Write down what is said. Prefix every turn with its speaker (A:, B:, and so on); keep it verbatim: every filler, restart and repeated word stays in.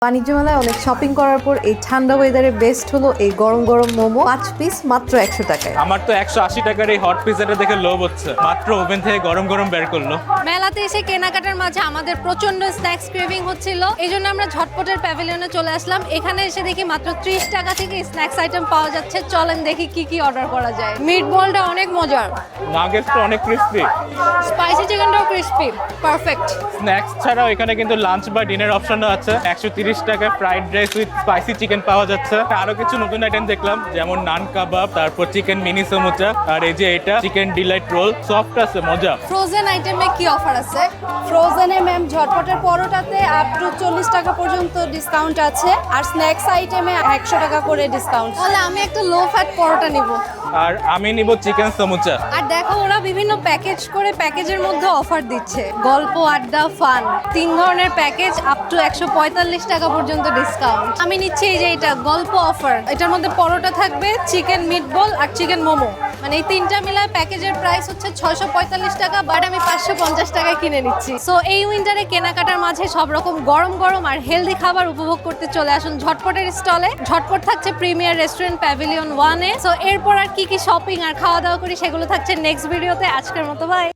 A: বাণিজ্য মেলায় অনেক শপিং করার পর এই ঠান্ডা ওয়েদারে বেস্ট হলো এই গরম গরম মোমো পাঁচ পিস মাত্র একশো টাকায়।
B: আমার তো একশো আশি টাকার এই হট পিজাটা দেখে লোভ হচ্ছে। মাত্র ওভেন থেকে গরম গরম বের করলো।
C: মেলাতে এসে কেনাকাটার মাঝে আমাদের প্রচন্ড স্ন্যাক্স ক্রেভিং হচ্ছিল, এই জন্য আমরা ঝটপটের প্যাভিলিয়নে চলে আসলাম। এখানে এসে দেখি মাত্র ত্রিশ টাকা থেকে স্ন্যাক্স আইটেম পাওয়া যাচ্ছে। চলেন দেখি কি কি অর্ডার করা যায়। মিট বলটা অনেক মজার,
B: নাগেটসটা অনেক ক্রিস্পি,
C: স্পাইসি চিকেনটাও ক্রিস্পি, পারফেক্ট।
B: স্ন্যাক্স ছাড়াও এখানে কিন্তু লাঞ্চ বা ডিনার অপশনও আছে। একশো তিরিশ টাকায় fried rice with spicy chicken পাওয়া যাচ্ছে। আরো কিছু নতুন আইটেম দেখলাম, যেমন নান কাবাব, তারপর চিকেন মিনি সমুচা, আর এই যে এটা চিকেন ডিলাইট রোল, সফট আছে, মজা।
C: ফ্রোজেন আইটেমে কি অফার আছে?
D: ফ্রোজেনে ম্যাম ঝটপটের পরোটাতে আপ টু চল্লিশ টাকা পর্যন্ত ডিসকাউন্ট আছে, আর স্ন্যাক্স আইটেমে একশো টাকা করে ডিসকাউন্ট।
C: তাহলে আমি একটা লো ফ্যাট পরোটা নিব।
B: আর আমি নিব চিকেন সমুচা।
C: আর দেখো ওরা বিভিন্ন প্যাকেজ করে প্যাকেজের মধ্যে অফার দিচ্ছে, গল্প, আড্ডা, ফান, তিন ধরনের প্যাকেজ আপ টু একশো পঁয়তাল্লিশ টাকা পর্যন্ত ডিসকাউন্ট। আমি নিচ্ছি এই যে এটা গল্প অফার, এটার মধ্যে পরোটা থাকবে, চিকেন মিটবল আর চিকেন মোমো, মানে এই তিনটা মিলায় প্যাকেজের প্রাইস হচ্ছে ছয়শো পঁয়তাল্লিশ টাকা, বাট আমি পাঁচশো পঞ্চাশ টাকায় কিনে নিচ্ছি। সো এই উইন্টারে কেনাকাটার মাঝে সব রকম গরম গরম আর হেলদি খাবার উপভোগ করতে চলে আসুন ঝটপটের স্টলে। ঝটপট থাকছে প্রিমিয়ার রেস্টুরেন্ট প্যাভিলিয়ন ওয়ানে। সো এরপর আর কি কি শপিং আর খাওয়া দাওয়া করি সেগুলো থাকছে নেক্সট ভিডিওতে। আজকের মতো বাই।